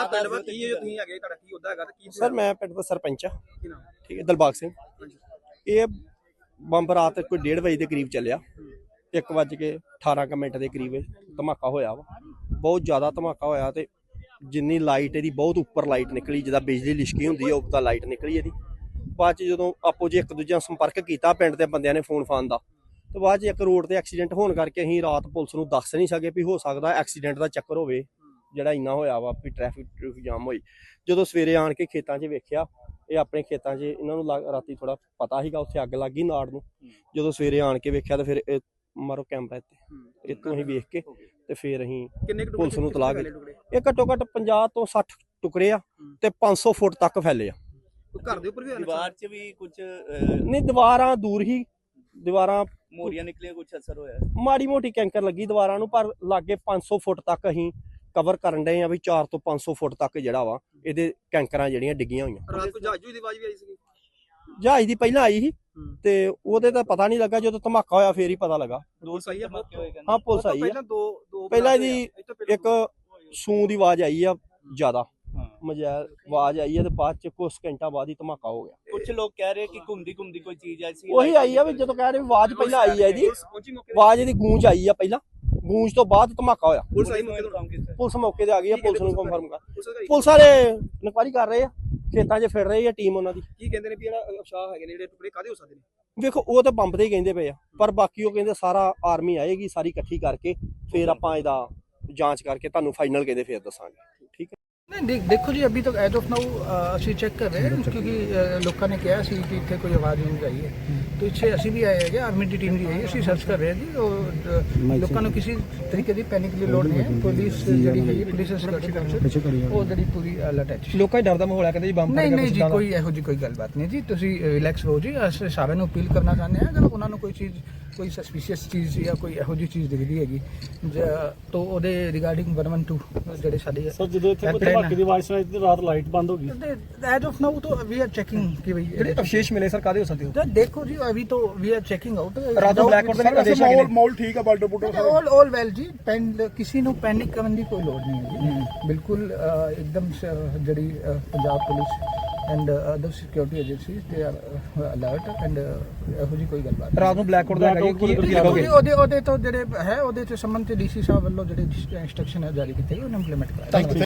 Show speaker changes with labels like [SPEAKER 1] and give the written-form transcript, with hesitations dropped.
[SPEAKER 1] Sir ਮੈਂ ਪਿੰਡ ਦਾ ਸਰਪੰਚ ਆ, ਠੀਕ ਹੈ, ਦਿਲਬਾਗ ਸਿੰਘ। ਇਹ ਬੰਬ ਰਾਤ ਕੋਈ 1:30 ਵਜੇ ਦੇ ਕਰੀਬ ਚੱਲਿਆ, 1:18 ਦੇ ਕਰੀਬ ਧਮਾਕਾ ਹੋਇਆ ਵਾ। ਬਹੁਤ ਜ਼ਿਆਦਾ ਧਮਾਕਾ ਹੋਇਆ ਤੇ ਜਿੰਨੀ ਲਾਈਟ ਇਹਦੀ ਬਹੁਤ ਉੱਪਰ ਲਾਈਟ ਨਿਕਲੀ, ਜਿੱਦਾਂ ਬਿਜਲੀ ਲਿਸ਼ਕੀ ਹੁੰਦੀ ਹੈ ਉਹ ਤਾਂ ਲਾਈਟ ਨਿਕਲੀ ਇਹਦੀ। ਬਾਅਦ 'ਚ ਜਦੋਂ ਆਪੋ ਜੀ ਇੱਕ ਦੂਜੇ ਨਾਲ ਸੰਪਰਕ ਕੀਤਾ ਪਿੰਡ ਦੇ ਬੰਦਿਆਂ ਨੇ ਫੋਨ ਦਾ, ਤੇ ਬਾਅਦ 'ਚ ਇੱਕ ਰੋਡ ਤੇ ਐਕਸੀਡੈਂਟ ਹੋਣ ਕਰਕੇ ਅਸੀਂ ਰਾਤ ਪੁਲਿਸ ਨੂੰ ਦੱਸ ਨਹੀਂ ਸਕੇ ਵੀ ਹੋ ਸਕਦਾ ਐਕਸੀਡੈਂਟ ਦਾ ਚੱਕਰ ਹੋਵੇ ਜਿਹੜਾ ਇੰਨਾ ਹੋਇਆ ਵਾ ਵੀ ਟ੍ਰੈਫਿਕ ਜਾਮ ਹੋਈ। ਜਦੋਂ ਸਵੇਰੇ ਆਣ ਕੇ ਖੇਤਾਂ 'ਚ ਵੇਖਿਆ, ਇਹ ਆਪਣੇ ਖੇਤਾਂ 'ਚ ਇਹਨਾਂ ਨੂੰ ਰਾਤੀ ਥੋੜਾ ਪਤਾ ਸੀਗਾ ਉੱਥੇ ਅੱਗ ਲੱਗ ਗਈ ਨਾੜ ਨੂੰ। ਜਦੋਂ ਸਵੇਰੇ ਆਣ ਕੇ ਵੇਖਿਆ ਤਾਂ ਫਿਰ ਇਹ ਮਾਰੋ ਕੈਮਰਾ ਤੇ ਇੱਥੋਂ ਅਸੀਂ ਵੇਖ ਕੇ ਤੇ ਫਿਰ ਅਸੀਂ ਪੁਲਿਸ ਨੂੰ ਤਲਾਹ ਕੀਤੀ। ਇਹ ਘੱਟੋ ਘੱਟ 50 ਤੋਂ 60 ਟੁਕੜੇ ਆ ਤੇ 500 ਫੁੱਟ ਤੱਕ ਫੈਲੇ ਆ।
[SPEAKER 2] ਘਰ ਦੇ ਉੱਪਰ ਵੀ
[SPEAKER 3] ਦੀਵਾਰ 'ਚ ਵੀ ਕੁਝ
[SPEAKER 1] ਨਹੀਂ, ਦੀਵਾਰਾਂ ਦੂਰ ਹੀ, ਦੀਵਾਰਾਂ
[SPEAKER 3] ਮੋਰੀਆਂ ਨਿਕਲੀਆਂ, ਕੁਝ ਅਸਰ ਹੋਇਆ?
[SPEAKER 1] ਮਾੜੀ ਮੋਟੀ ਕੈਂਕਰ ਲੱਗੀ ਦੀਵਾਰਾਂ ਨੂੰ, ਪਰ ਲਾਗੇ 500 ਫੁੱਟ ਤੱਕ ਅਸੀਂ ਕਵਰ ਕਰਨ ਡਏ ਆ ਵੀ 400 ਤੋਂ 500 ਫੁੱਟ ਤੱਕ ਜਿਹੜਾ ਵਾ ਇਹਦੇ ਕੈਂਕਰਾਂ ਜਿਹੜੀਆਂ ਡਿੱਗੀਆਂ ਹੋਈਆਂ।
[SPEAKER 2] ਰਾਤ ਨੂੰ ਜਹਾਜ਼ ਦੀ ਆਵਾਜ਼ ਵੀ ਆਈ ਸੀ?
[SPEAKER 1] ਜਹਾਜ਼ ਦੀ ਪਹਿਲਾਂ ਆਈ ਸੀ ਤੇ ਉਹਦੇ ਤਾਂ ਪਤਾ ਨਹੀਂ ਲੱਗਾ, ਜਦੋਂ ਧਮਾਕਾ ਹੋਇਆ ਫੇਰ ਹੀ ਪਤਾ ਲੱਗਾ। ਹਾਂ ਪੁਲਿਸ ਆਈ ਆ। ਪਹਿਲਾਂ ਇਹਦੀ ਇੱਕ ਸੂ ਦੀ ਆਵਾਜ਼ ਆਈ ਆ ਜ਼ਿਆਦਾ, ਮਜਾਲ ਆਵਾਜ਼ ਆਈ ਹੈ ਤੇ ਬਾਅਦ ਚ ਕੁਝ ਘੰਟਾ ਬਾਅਦ ਹੀ ਧਮਾਕਾ ਹੋ ਗਿਆ।
[SPEAKER 3] ਕੁਝ ਲੋਕ ਕਹਿ ਰਹੇ ਕਿ ਘੁੰਮਦੀ ਕੋਈ ਚੀਜ਼ ਆਈ ਸੀ।
[SPEAKER 1] ਉਹੀ ਆਈ ਆ ਵੀ ਜਦੋਂ ਕਹਿ ਰਹੇ ਆਵਾਜ਼ ਪਹਿਲਾਂ ਆਈ ਹੈ ਇਹਦੀ, ਆਵਾਜ਼ ਇਹਦੀ ਗੂੰਜ ਆਈ ਆ ਪਹਿਲਾਂ, ਗੂੰਜ ਤੋਂ ਬਾਅਦ ਧਮਾਕਾ ਹੋਇਆ। ਪੁਲਿਸ ਮੌਕੇ ਤੇ ਆ ਗਈ ਆ, ਪੁਲਿਸ ਨੂੰ ਕਨਫਰਮ ਕਰ, ਪੁਲਿਸ ਵਾਲੇ ਇਨਕੁਆਇਰੀ ਕਰ ਰਹੇ ਆ, ਖੇਤਾਂ 'ਚ ਫਿਰ ਰਹੀ ਆ ਟੀਮ ਉਹਨਾਂ ਦੀ।
[SPEAKER 2] ਕੀ ਕਹਿੰਦੇ ਨੇ ਵੀ ਜਿਹੜਾ ਅਫਸ਼ਾਹ ਹੈਗੇ ਨੇ ਜਿਹੜੇ ਟੁਕੜੇ ਕਾਹਦੇ ਹੋ ਸਕਦੇ ਨੇ?
[SPEAKER 1] ਵੇਖੋ ਉਹ ਤਾਂ ਬੰਬ ਦੇ ਹੀ ਕਹਿੰਦੇ ਪਏ ਆ, ਪਰ ਬਾਕੀ ਉਹ ਕਹਿੰਦੇ ਸਾਰਾ ਆਰਮੀ ਆਏਗੀ, ਸਾਰੀ ਇਕੱਠੀ ਕਰਕੇ ਫਿਰ ਆਪਾਂ ਇਹਦਾ ਜਾਂਚ ਕਰਕੇ ਤੁਹਾਨੂੰ ਫਾਈਨਲ ਕਹਿੰਦੇ ਫਿਰ ਦੱਸਾਂਗੇ। ਠੀਕ ਹੈ।
[SPEAKER 4] नहीं देखो जी, अभी तक एज ऑफ नाउ ਅਸੀਂ ਚੈੱਕ ਕਰ ਰਹੇ ਹਾਂ, ਕਿਉਂਕਿ ਲੋਕਾਂ ਨੇ ਕਿਹਾ ਸੀ ਕਿ ਇੱਥੇ ਕੋਈ ਆਵਾਜ਼ ਨਹੀਂ ਆਈ ਹੈ, तो ਇੱਥੇ ਅਸੀਂ ਵੀ ਆਏ ਹੈਗੇ, ਆਰਮੀ ਦੀ ਟੀਮ ਵੀ ਆਈ, ਅਸੀਂ ਸਰਚ ਕਰ ਰਹੇ ਹਾਂ ਜੀ। ਉਹ ਲੋਕਾਂ ਨੂੰ ਕਿਸੇ ਤਰੀਕੇ ਦੀ ਪੈਨਿਕ ਦੀ ਲੋੜ ਨਹੀਂ ਹੈ। ਪੁਲਿਸ ਜਿਹੜੀ ਹੈਗੀ, ਪੁਲਿਸ ਸਿਕਿਉਰਿਟੀ ਕਾਉਂਸਲ, ਉਹ ਜਿਹੜੀ ਪੂਰੀ ਅਲਰਟ ਹੈ।
[SPEAKER 2] ਲੋਕਾਂ 'ਚ ਡਰ ਦਾ ਮਾਹੌਲ ਹੈ, ਕਹਿੰਦੇ ਜੀ ਬੰਬ
[SPEAKER 4] ਨਹੀਂ ਜੀ, ਕੋਈ ਇਹੋ ਜਿਹੀ ਕੋਈ ਗੱਲਬਾਤ ਨਹੀਂ ਜੀ, ਤੁਸੀਂ ਰਿਲੈਕਸ ਰਹੋ ਜੀ। ਅਸੀਂ ਸਾਰਿਆਂ ਨੂੰ ਅਪੀਲ ਕਰਨਾ ਚਾਹੁੰਦੇ ਹਾਂ, ਅਗਰ ਉਹਨਾਂ ਨੂੰ ਕੋਈ ਚੀਜ਼, ਕੋਈ ਸਸਪੀਸ਼ੀਅਸ ਚੀਜ਼ ਜਾਂ ਕੋਈ ਇਹੋ ਜਿਹੀ ਚੀਜ਼ ਦਿਖਦੀ ਹੈਗੀ ਤਾਂ ਉਹਦੇ ਰਿਗਾਰਡਿੰਗ 112 ਜਿਹੜੇ ਸਾਡੇ
[SPEAKER 5] ਸਰ ਜਦੋਂ ਇੱਥੇ ਧਮਾਕੇ ਦੀ ਆਵਾਜ਼ ਸੁਣਾਈ ਤੇ ਰਾਤ ਲਾਈਟ ਬੰਦ ਹੋ ਗਈ।
[SPEAKER 4] एज ऑफ नाउ तो वी आर चेकिंग कि भाई
[SPEAKER 2] ਜਿਹੜੇ ਅਵਸ਼ੇਸ਼ ਮਿਲੇ ਸਰ ਕਾਹਦੇ ਹੋ ਸਕਦੇ ਹੋ?
[SPEAKER 4] देखो जी, अभी तो वी आर चेकिंग आउट।
[SPEAKER 2] ਰਾਤ ਨੂੰ ਬਲੈਕ ਆਊਟ ਦੇ ਆਦੇਸ਼ ਹੈਗੇ ਨੇ?
[SPEAKER 5] ਮਾਹੌਲ ਠੀਕ ਆ, ਬਾਲਟੋ ਬੁੱਟੋ
[SPEAKER 4] ऑल वेल जी। किसी ਨੂੰ ਪੈਨਿਕ ਕਰਨ ਦੀ ਕੋਈ ਲੋੜ ਨਹੀਂ ਹੈ ਜੀ। ਬਿਲਕੁਲ ਇੱਕਦਮ ਜਿਹੜੀ Punjab police and other security agencies ਦੇ ਆਰ ਅਲਰਟ ਐਂਡ ਇਹੋ ਜਿਹੀ ਕੋਈ ਗੱਲਬਾਤ।
[SPEAKER 2] ਰਾਤ ਨੂੰ ਬਲੈਕ ਆਊਟ ਦਾ ਹੈਗਾ ਕੀ ਲਗਾਓਗੇ?
[SPEAKER 4] ਉਹਦੇ ਤੋਂ ਜਿਹੜੇ ਹੈ ਉਹਦੇ ਚ ਸੰਬੰਧਿਤ ਡੀਸੀ ਸਾਹਿਬ ਵੱਲੋਂ ਜਿਹੜੇ ਇੰਸਟਰਕਸ਼ਨ ਹੈ ਜਾਰੀ ਕੀਤੇ ਉਹਨੂੰ ਇੰਪਲੀਮੈਂਟ ਕਰਾਇਆ।